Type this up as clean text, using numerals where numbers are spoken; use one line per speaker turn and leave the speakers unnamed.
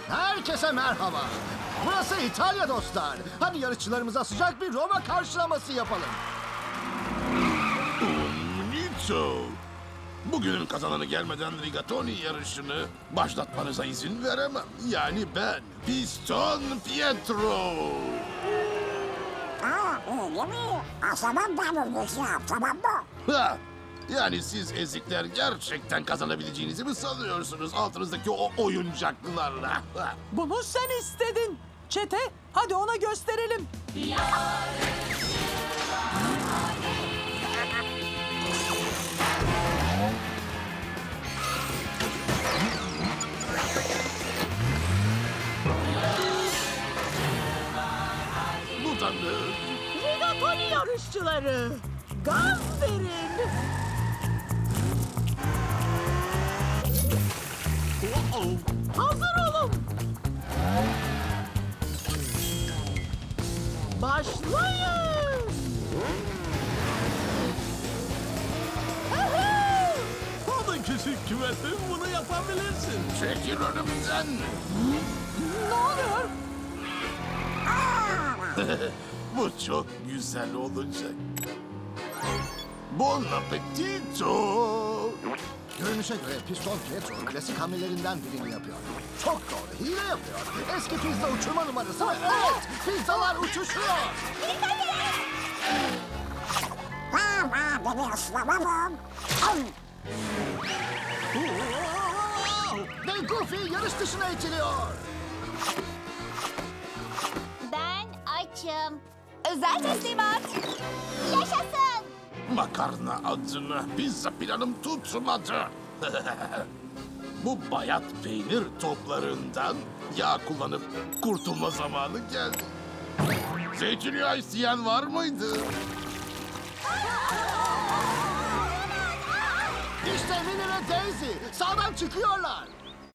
Herkese merhaba. Burası İtalya dostlar. Hadi yarışçılarımıza sıcak bir Roma karşılaması yapalım.
Nito. Bugünün kazananı gelmeden rigatoni yarışını başlatmanıza izin veremem. Yani ben, Piston Pietro.
Öyle mi? O zaman ben öleceğim, tamam mı?
Ha, yani siz ezikler gerçekten kazanabileceğinizi mi sanıyorsunuz altınızdaki o oyuncaklarla? Ha.
Bunu sen istedin. Çete, hadi ona gösterelim.
Bu da ne?
Rigatoni yarışçıları. Gaz verin. Hazır olun. Başlayın.
Hadi küçük küvetim, bunu yapabilirsin.
Çekil önümden.
Ne oluyor?
Bu çok güzel olacak. Bon appetito.
Görünüşe göre Piston Pietro klasik hamlelerinden birini yapıyor. Çok doğru, hile yapıyor. Eski pizza uçurma numarası ve evet, pizzalar uçuşuyor.
Beni ıslamamam.
Ve Goofy yarış dışına itiliyor.
Ben açım. Özel teslimat. Yaşasın.
Makarna adına pizza planım tutmadı. Bu bayat peynir toplarından yağ kullanıp kurtulma zamanı geldi. Zeytinyağı isteyen var mıydı?
İşte Minnie ve Daisy sağdan çıkıyorlar.